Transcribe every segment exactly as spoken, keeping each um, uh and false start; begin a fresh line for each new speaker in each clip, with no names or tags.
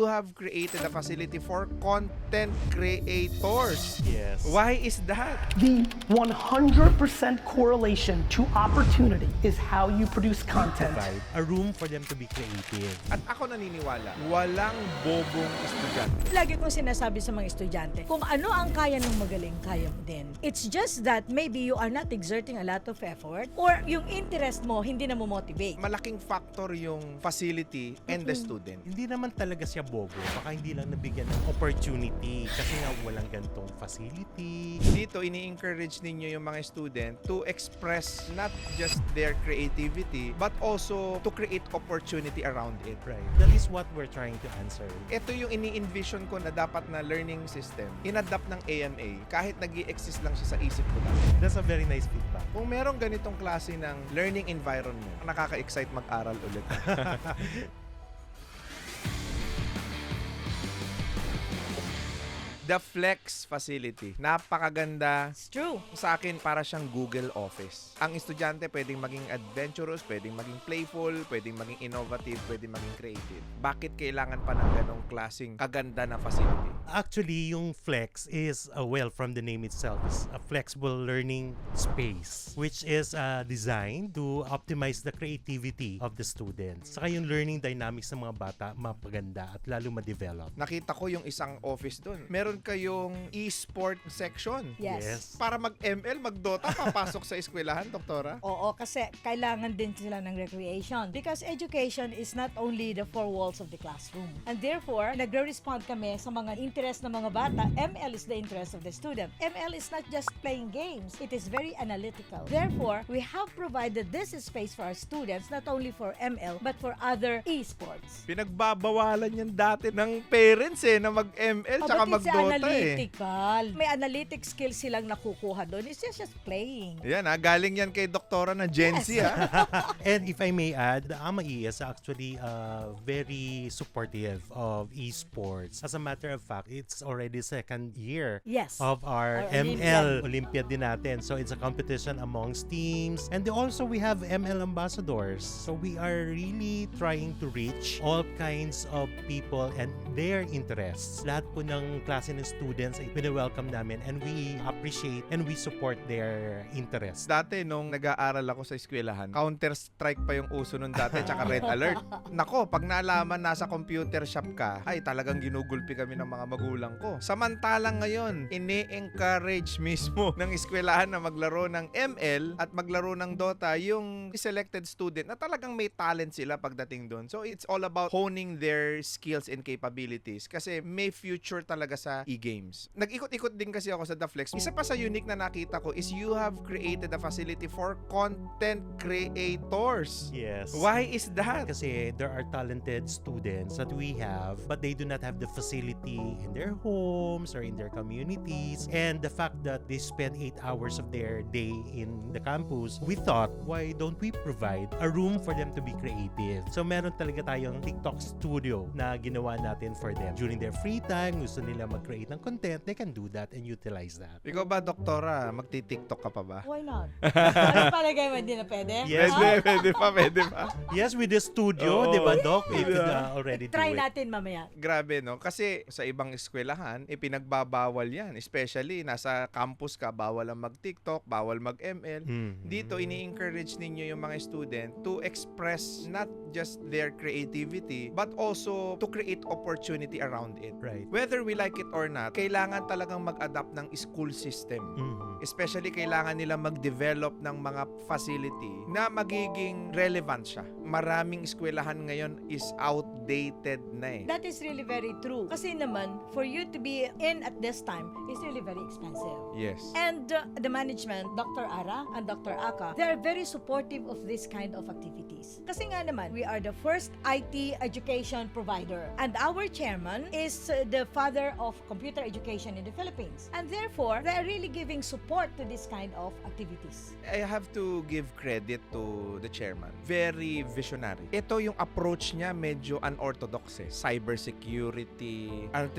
you have created a facility for content creators.
Yes.
Why is that?
The one hundred percent correlation to opportunity is how you produce content.
Provide a room for them to be creative.
At ako naniniwala, walang bobong estudyante.
Lagi kong sinasabi sa mga estudyante, kung ano ang kaya ng magaling, kaya mo din. It's just that maybe you are not exerting a lot of effort or yung interest mo hindi na mo motivate.
Malaking factor yung facility and the student.
Hindi naman talaga siya bobo. Baka hindi lang nabigyan ng opportunity kasi nga walang gantong facility.
Dito, ini-encourage ninyo yung mga student to express not just their creativity but also to create opportunity around it.
Right. That is what we're trying to answer.
Ito yung ini-envision ko na dapat na learning system. In-adapt ng A M A kahit nag exist lang siya sa isip ko lang.
That's a very nice feedback.
Kung merong ganitong klase ng learning environment, nakaka-excite mag-aral ulit. The Flex Facility. Napakaganda.
It's true.
Sa akin, para siyang Google Office. Ang estudyante pwedeng maging adventurous, pwedeng maging playful, pwedeng maging innovative, pwedeng maging creative. Bakit kailangan pa ng ganong klaseng kaganda na facility?
Actually, yung Flex is, uh, well, from the name itself, is a flexible learning space which is uh, designed to optimize the creativity of the students. Saka yung learning dynamics ng mga bata, mapaganda at lalo ma-develop.
Nakita ko yung isang office doon. Meron kayong e-sport section.
Yes.
Yes.
Para mag-M L, mag-Dota, papasok sa eskwelahan, doktora?
Oo, kasi kailangan din sila ng recreation. Because education is not only the four walls of the classroom. And therefore, nagre-respond kami sa mga interest ng mga bata. M L is the interest of the student. M L is not just playing games. It is very analytical. Therefore, we have provided this space for our students, not only for M L, but for other e-sports.
Pinagbabawalan yan dati ng parents eh, na mag-M L
Oh,
tsaka
but it's
mag-Dota eh.
analytical. May analytic skills silang nakukuha doon. It's just, just playing.
Yan ha, galing yan kay doktora na Gen Z
Yes.
ha.
And if I may add, the A M A E is actually uh, very supportive of esports. As a matter of fact, it's already second year
Yes.
of our,
Our
M L Olympiad din natin. So it's a competition amongst teams. And also we have M L ambassadors. So we are really trying to reach all kinds of people and their interests. Lahat po ng klase ng students ay pina-welcome namin and we appreciate and we support their interests.
Dati nung nag-aaral ako sa eskwelahan, Counter-Strike pa yung uso nun dati, tsaka Red Alert. Nako, pag naalaman nasa computer shop ka, ay talagang ginugulpi kami ng mga magulang ko. Samantalang ngayon, ini-encourage mismo ng eskwelahan na maglaro ng M L at maglaro ng Dota yung selected student na talagang may talent sila pagdating doon. So it's all about honing their skills and capabilities kasi may future talaga sa e-games. Nag-ikot-ikot din kasi ako sa The Flex. Isa pa sa unique na nakita ko is you have created a facility for content creators.
Yes.
Why is that?
Kasi there are talented students that we have but they do not have the facility in their homes or in their communities. And the fact that they spend eight hours of their day in the campus, we thought, why don't we provide a room for them to be creative? So meron talaga tayong TikTok studio na ginawa natin for them. During their free time, gusto nila mag-create ng content, they can do that and utilize that.
Ikaw ba, doktora, magti-TikTok ka pa ba?
Why not? Ano palagay mo, hindi na pwede?
Yes.
Pwede, pwede pa, pwede pa.
Yes, with the studio,
Oo.
di ba, Doc? We could
Yeah.
uh, already
Try
do it.
natin mamaya.
Grabe, no? Kasi sa ibang eskwelahan, eh, pinagbabawal yan. Especially, nasa campus ka, bawal ang mag-TikTok, bawal mag-M L.
Mm.
Dito, ini-encourage ninyo yung mga student to express not just their creativity, but also to create opportunity around it.
Right.
Whether we like it or not, kailangan talagang mag-adapt ng school system.
Mhm.
Especially, kailangan nila mag-develop ng mga facility na magiging relevant siya. Maraming eskwelahan ngayon is outdated na eh.
That is really very true. Kasi naman, for you to be in at this time is really very expensive.
Yes.
And uh, the management, Doctor Ara and Doctor Aka, they are very supportive of this kind of activities. Kasi nga naman, we are the first I T education provider. And our chairman is uh, the father of computer education in the Philippines. And therefore, they are really giving support to this kind of activities.
I have to give credit to the chairman. Very visionary. Ito yung approach niya medyo unorthodox eh. Cybersecurity, artificial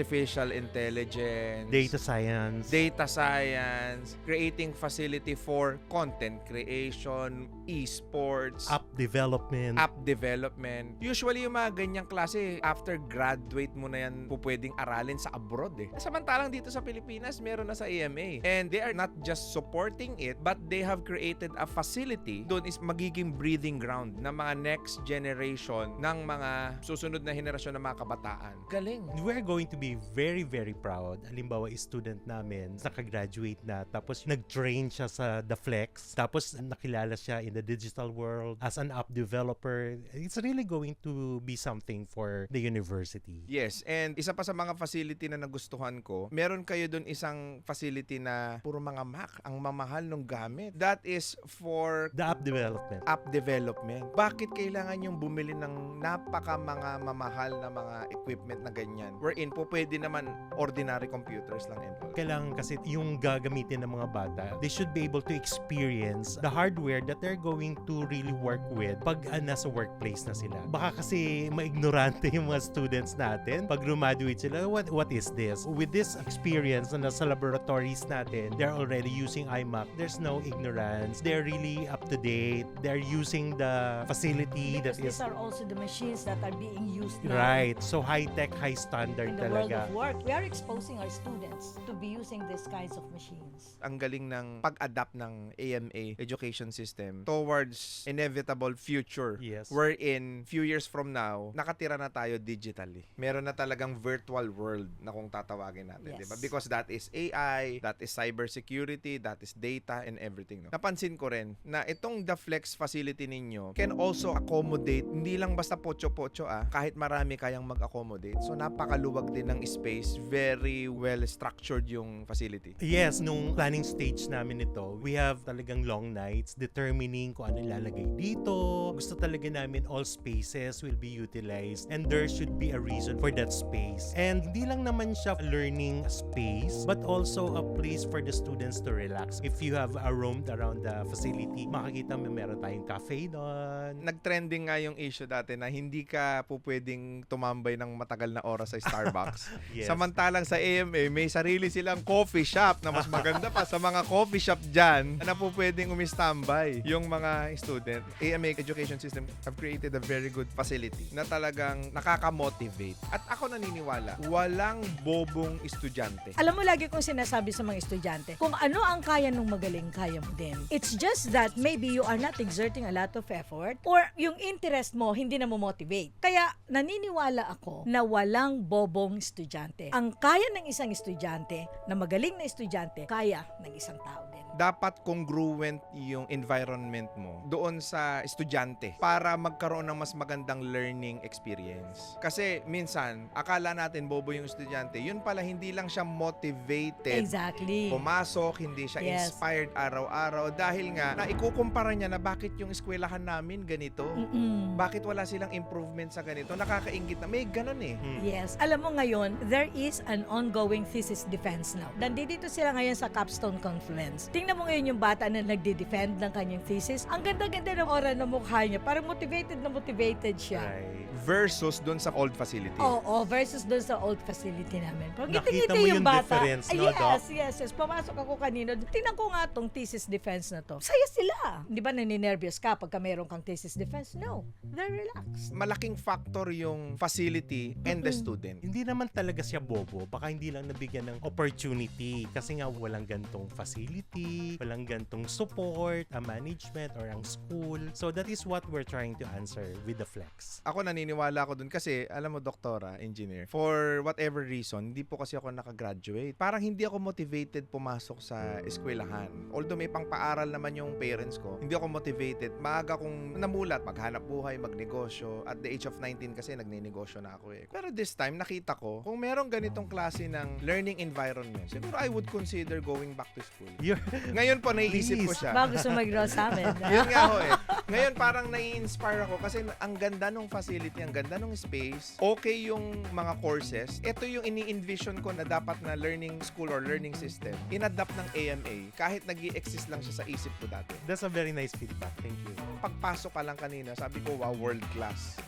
artificial intelligence,
Data science.
data science, creating facility for content creation, esports,
App development.
app development. Usually yung mga ganyang klase, after graduate mo na yan, po pwedeng aralin sa abroad eh. Samantalang dito sa Pilipinas, meron na sa A M A. And they are not just supporting it, but they have created a facility. Doon is magiging breathing ground ng mga next generation ng mga susunod na henerasyon ng mga kabataan. Galing.
We're going to be very, very proud. Halimbawa, student namin, nakagraduate na, tapos nag-train siya sa The Flex, tapos nakilala siya in the digital world as an app developer. It's really going to be something for the university.
Yes, and isa pa sa mga facility na nagustuhan ko, meron kayo doon isang facility na puro mga Mac, ang mamahal ng gamit. That is for
The app development.
app development. Bakit kailangan yung bumili ng napaka mga mamahal na mga equipment na ganyan? Wherein po pwede naman ordinary computers lang and all.
Kailangan kasi yung gagamitin ng mga bata, they should be able to experience the hardware that they're going to really work with pag uh, nasa workplace na sila. Baka kasi maignorante yung mga students natin. Pag graduate sila, what what is this? With this experience na nasa laboratories natin, they're already using iMac. There's no ignorance. They're really up to date. They're using the facility
Because
that is
these are also the machines that are being used now
right. So high-tech, high-standard
in the world
talaga.
of work. We are exposing our students to be using these kinds of machines.
Ang galing ng pag-adapt ng A M A education system towards inevitable future.
Yes.
Wherein, few years from now, nakatira na tayo digitally. Meron na talagang virtual world na kung tatawagin natin.
Yes.
Diba? Because that is A I, that is cybersecurity, that is data and everything. No? Napansin ko rin na itong The Flex facility ninyo can also accommodate, hindi lang basta pocho-pocho ah, kahit marami kayang mag-accommodate. So napakaluwag din ng space, very well structured yung facility.
Yes, nung planning stage namin ito, we have talagang long nights determining kung ano ilalagay dito. Gusto talaga namin all spaces will be utilized and there should be a reason for that space. And hindi lang naman siya learning space but also a place for the students to relax. If you have a roamed around the facility, makikita mo meron tayong cafe doon.
Nag-trending nga yung issue dati na hindi ka po pwedeng tumambay ng matagal na oras sa Starbucks.
Yes.
Samantalang sa A M A, may sarili silang coffee shop na mas maganda pa sa mga coffee shop dyan na po pwedeng umistambay yung mga student. A M A education system have created a very good facility na talagang nakaka-motivate. At ako naniniwala, walang bobong estudyante.
Alam mo, lagi kong sinasabi sa mga estudyante, kung ano ang kaya nung magaling, kaya mo din. It's just that maybe you are not exerting a lot of effort or yung interest mo hindi na mo motivate. Kaya naniniwala ako na walang bobong estudyante. Ang kaya ng isang estudyante, na magaling na estudyante, kaya ng isang tao din.
Dapat congruent yung environment mo doon sa estudyante para magkaroon ng mas magandang learning experience. Kasi minsan, akala natin bobo yung estudyante, yun pala hindi lang siya motivated
Exactly.
pumasok, hindi siya
Yes.
inspired araw-araw dahil nga na ikukumpara niya na bakit yung eskwelahan namin ganito,
Mm-mm.
bakit wala silang improvement sa ganito, nakakaingit na may ganun eh.
Hmm.
Yes. Alam mo ngayon, there is an ongoing thesis defense now. Nandito sila ngayon sa Capstone Conference. Tingnan mo ngayon yung bata na nagde-defend ng kanyang thesis. Ang ganda-ganda ng aura ng mukha niya. Parang motivated na motivated siya.
Right.
Versus doon sa old facility.
Oo, versus doon sa old facility namin. Pag
Nakita
ngiti-ngiti
mo
yung
yung
bata.
difference,
Ay,
no,
yes,
Doc?
yes, yes. Pumasok ako kanino. Tingnan ko nga tong thesis defense na to. Saya sila. Di ba naninervyos ka pagka meron kang thesis defense? No. They're relaxed.
Malaking factor yung facility and the student.
Hindi naman talaga siya bobo. Baka hindi lang nabigyan ng opportunity kasi nga walang gantong facility, walang gantong support, a management or ang school. So that is what we're trying to answer with the Flex.
Ako naniniwala ako dun kasi, alam mo, doktora, engineer, for whatever reason, hindi po kasi ako nakagraduate. Parang hindi ako motivated pumasok sa eskwelahan. Although may pangpaaral naman yung parents ko, hindi ako motivated. Maaga kong namulat, maghanap buhay, magnegosyo. At the age of nineteen kasi, nagninegosyo na ako eh. Pero this time, nakita ko, kung merong ganitong klase ng learning environment, siguro I would consider going back to school.
You're,
Ngayon po, naiisip ko
Please.
siya.
Bago gusto mag-grow sa amin.
Yun nga ho eh. Ngayon parang nai-inspire ako kasi ang ganda nung facility, ang ganda nung space, okay yung mga courses. Ito yung ini-envision ko na dapat na learning school or learning system, in-adapt ng A M A kahit nag-i-exist lang siya sa isip ko dati.
that's a very nice feedback. Thank you.
Pagpasok ka lang kanina, sabi ko, wow, world class.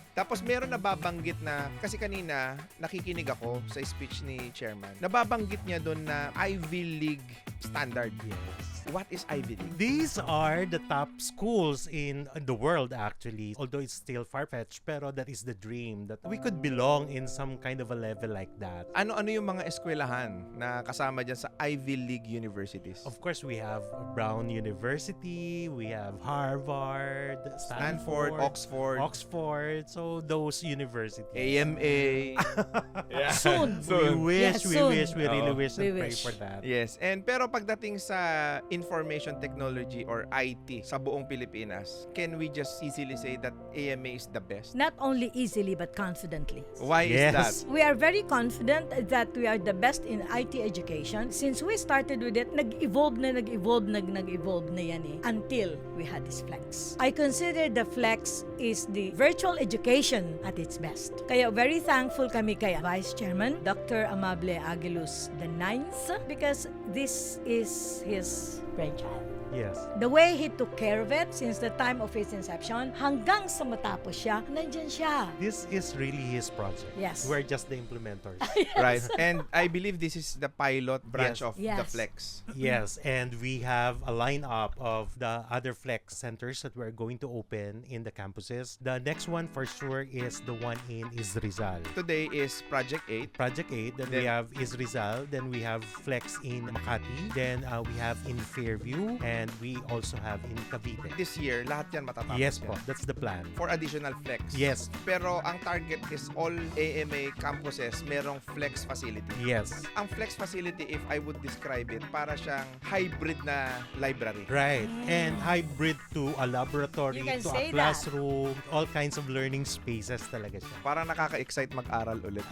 Tapos meron nababanggit na, kasi kanina nakikinig ako sa speech ni chairman, nababanggit niya doon na Ivy League standard.
Yes.
What is Ivy League?
These are the top schools in the world actually. Although it's still far-fetched, pero that is the dream that we could belong in some kind of a level like that.
Ano-ano yung mga eskwelahan na kasama dyan sa Ivy League universities?
Of course, we have Brown University, we have Harvard,
Stanford,
Stanford,
Oxford,
Oxford. So those universities.
A M A. Yeah.
Soon.
We wish,
Yes,
we
soon.
wish, we really
Oo.
wish and
We
pray
wish.
for that.
Yes. And pero pagdating sa information technology or I T sa buong Pilipinas, can we just easily say that A M A is the best?
Not only easily but confidently.
Why is
Yes.
that?
We are very confident that we are the best in I T education. Since we started with it, nag-evolve na nag-evolve nag nag-evolve na yan eh, until we had this Flex. I consider the Flex is the virtual education at its best. Kaya very thankful kami kay Vice Chairman Doctor Amable Aguiluz the ninth because this is his brainchild.
Yes.
The way he took care of it since the time of his inception hanggang sa matapos siya, nandyan siya.
This is really his project.
Yes.
We're just the implementers.
Right. And I believe this is the pilot branch
Yes.
of the
Yes.
Flex.
Yes, and we have a lineup of the other Flex centers that we're going to open in the campuses. The next one for sure is the one in Isrizal.
Today is Project eight.
Project eight, then we
Then-
have Isrizal, then we have Flex in Makati, then uh, we have in Fairview, and we also have in Cavite.
This year, lahat yan matatapos
Yes
yan.
po, that's the plan.
For additional Flex.
Yes.
Pero ang target is all A M A campuses merong Flex facility.
Yes.
Ang Flex facility, if I would describe it, para siyang hybrid na library.
Right. And hybrid to a laboratory,
You can
to
say
a
that.
classroom, all kinds of learning spaces talaga siya.
Parang nakaka-excite mag-aral ulit.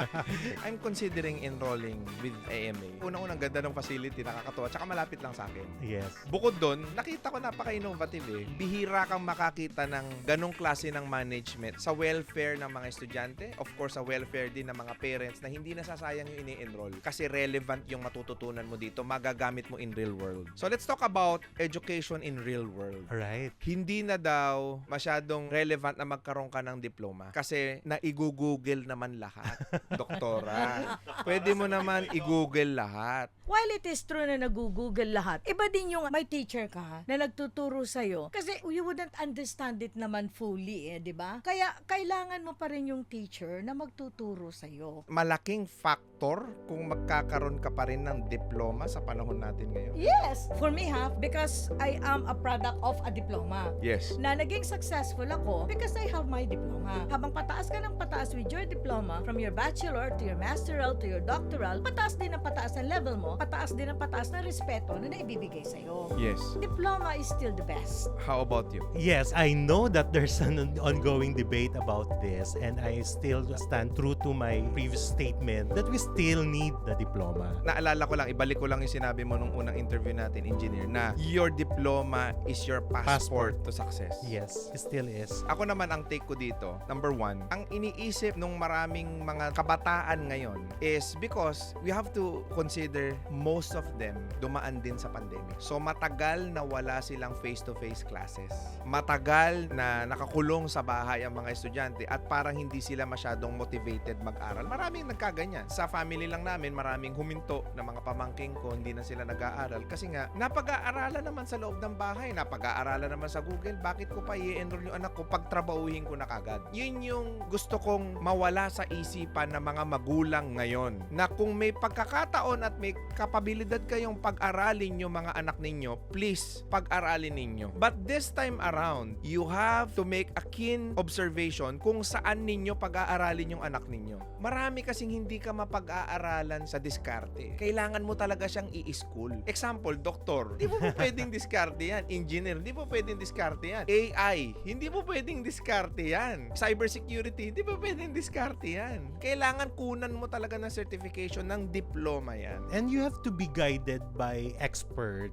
I'm considering enrolling with A M A. Unang-unang ganda ng facility, nakakatuwa, tsaka malapit lang sa akin.
Yes.
Bukod doon, nakita ko napaka-innovative eh. Bihira kang makakita ng ganong klase ng management sa welfare ng mga estudyante, of course sa welfare din ng mga parents na hindi nasasayang yung ini-enroll kasi relevant yung matututunan mo dito, magagamit mo in real world. So let's talk about education in real world.
Alright.
Hindi na daw masyadong relevant na magkaroon ka ng diploma kasi na i-google naman lahat, doktora. Pwede mo naman i-google lahat.
While it is true na nag-google lahat, iba din yung may teacher ka na nagtuturo sa'yo. Kasi you wouldn't understand it naman fully eh, di ba? Kaya kailangan mo pa rin yung teacher na magtuturo sa'yo.
Malaking factor kung magkakaroon ka pa rin ng diploma sa panahon natin ngayon.
Yes! For me ha, because I am a product of a diploma.
Yes.
Na naging successful ako because I have my diploma. Habang pataas ka ng pataas with your diploma, from your bachelor to your masteral to your doctoral, pataas din ang pataas ang level mo, pataas din ang pataas na respeto na naibibigay sa'yo.
Yes.
Diploma is still the best.
How about you?
Yes, I know that there's an on- ongoing debate about this, and I still stand true to my previous statement that we still need the diploma.
Naalala ko lang, ibalik ko lang yung sinabi mo nung unang interview natin, engineer, na your diploma is your passport, to success.
Yes, it still is.
Ako naman ang take ko dito, number one, ang iniisip nung maraming mga kabataan ngayon is because we have to consider most of them dumaan din sa pandemic. So matagal na wala silang face-to-face classes. Matagal na nakakulong sa bahay ang mga estudyante at parang hindi sila masyadong motivated mag-aral. Maraming nagkaganyan. Sa family lang namin, maraming huminto na mga pamangking ko, hindi na sila nag-aaral. Kasi nga, napag-aaralan naman sa loob ng bahay, napag-aaralan naman sa Google, bakit ko pa i-enroll yung anak ko pag trabahuhin ko na kagad? Yun yung gusto kong mawala sa isipan ng mga magulang ngayon. Na kung may pagkakataon at may kapabilidad kayong pag-aralin yung mga anak ninyo, please, pag-aralin ninyo. But this time around, you have to make a keen observation kung saan ninyo pag-aaralin yung anak ninyo. Marami kasing hindi ka mapag-aaralan sa diskarte. Kailangan mo talaga siyang i-school. Example, doktor, di mo po pwedeng diskarte yan. Engineer, di po pwedeng diskarte yan. A I, hindi po pwedeng diskarte yan. Cybersecurity, di po pwedeng diskarte yan. Kailangan kunan mo talaga ng certification ng diploma yan.
And you have to be guided by experts and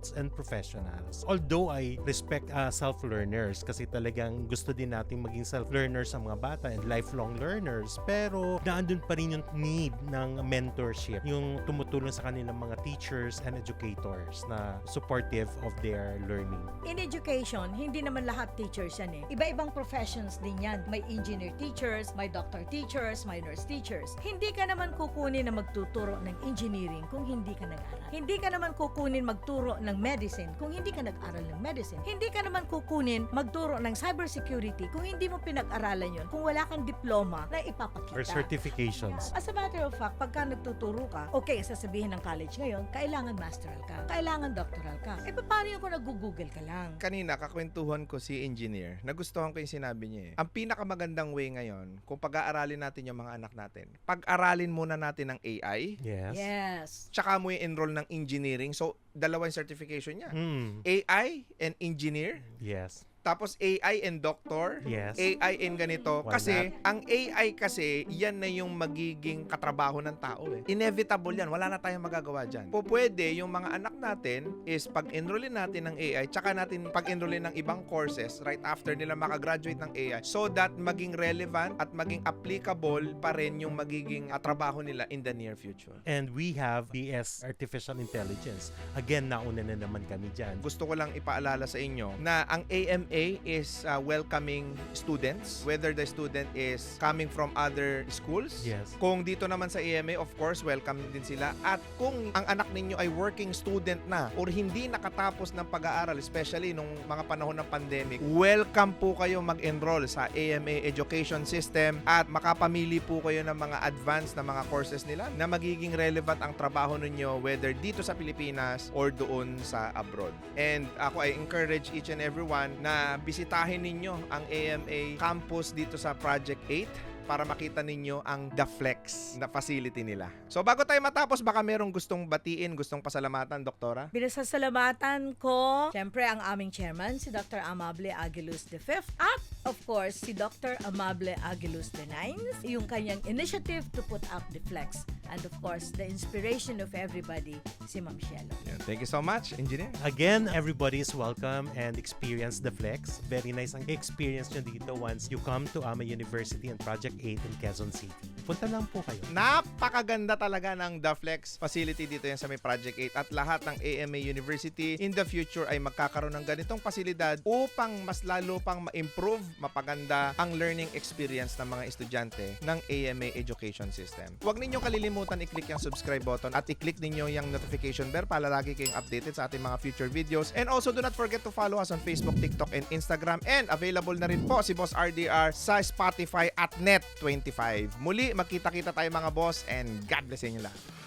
professionals. Although I respect uh, self-learners kasi talagang gusto din natin maging self-learners sa mga bata and lifelong learners, pero naandun pa rin yung need ng mentorship, yung tumutulong sa kanilang mga teachers and educators na supportive of their learning.
In education, hindi naman lahat teachers yan eh. Iba-ibang professions din yan. May engineer teachers, may doctor teachers, may nurse teachers. Hindi ka naman kukunin na magtuturo ng engineering kung hindi ka nag-aral. Hindi ka naman kukunin magturo ng medicine kung hindi ka nag-aral ng medicine. Hindi ka naman kukunin magturo ng cybersecurity kung hindi mo pinag-aralan yun, kung wala kang diploma na ipapakita.
Or certifications.
As a matter of fact, pagka nagtuturo ka, okay, sasabihin ng college ngayon, kailangan masteral ka, kailangan doctoral ka. Eh, paano yung kung nag-google ka lang?
Kanina, kakwentuhan ko si engineer. Nagustuhan ko yung sinabi niya eh. Ang pinakamagandang way ngayon, kung pag-aaralin natin yung mga anak natin, pag-aralin muna natin ng A I,
Yes.
Yes.
tsaka mo i-enroll ng engineering. So, dalawang certification niya.
Mm.
A I and engineer,
Yes.
tapos A I and doctor,
Yes.
A I and ganito.
Why
Kasi, ang A I kasi, yan na yung magiging katrabaho ng tao eh. Inevitable yan. Wala na tayong magagawa dyan. Po pwede, yung mga anak natin is pag-enrollin natin ng A I, tsaka natin pag-enrollin ng ibang courses right after nila makagraduate ng A I so that maging relevant at maging applicable pa rin yung magiging uh, trabaho nila in the near future.
And we have B S Artificial Intelligence. Again, nauna na naman kami dyan.
Gusto ko lang ipaalala sa inyo na ang A M A is uh, welcoming students, whether the student is coming from other schools.
Yes.
Kung dito naman sa A M A, of course, welcome din sila. At kung ang anak ninyo ay working student na or hindi nakatapos ng pag-aaral, especially nung mga panahon ng pandemic, welcome po kayo mag-enroll sa A M A education system at makapamili po kayo ng mga advanced na mga courses nila na magiging relevant ang trabaho ninyo whether dito sa Pilipinas or doon sa abroad. And ako ay encourage each and everyone na bisitahin ninyo ang A M A campus dito sa Project eight para makita ninyo ang The Flex na facility nila. So bago tayo matapos, baka merong gustong batiin, gustong pasalamatan, Doktora?
Binasasalamatan ko, syempre, ang aming chairman, si Doctor Amable Aguiluz the fifth, at of course, si Doctor Amable Aguiluz the ninth, yung kanyang initiative to put up the flex. And of course, the inspiration of everybody, si Ma'am Shelo.
Yeah, thank you so much, Engineer.
Again, everybody is welcome and experience the Flex. Very nice ang experience nyo dito once you come to A M A University and Project eight in Quezon City. Punta lang po kayo.
Napakaganda talaga ng The Flex facility dito yan sa may Project eight at lahat ng A M A University in the future ay magkakaroon ng ganitong pasilidad upang mas lalo pang ma-improve, mapaganda ang learning experience ng mga estudyante ng A M A education system. Huwag ninyong kalilimutan i-click yung subscribe button at i-click ninyo yung notification bell para lagi kayong updated sa ating mga future videos. And also do not forget to follow us on Facebook, TikTok, and Instagram. And available na rin po si Boss R D R sa Spotify at Net twenty-five. Muli, magkita-kita tayo mga boss and God bless inyo lahat.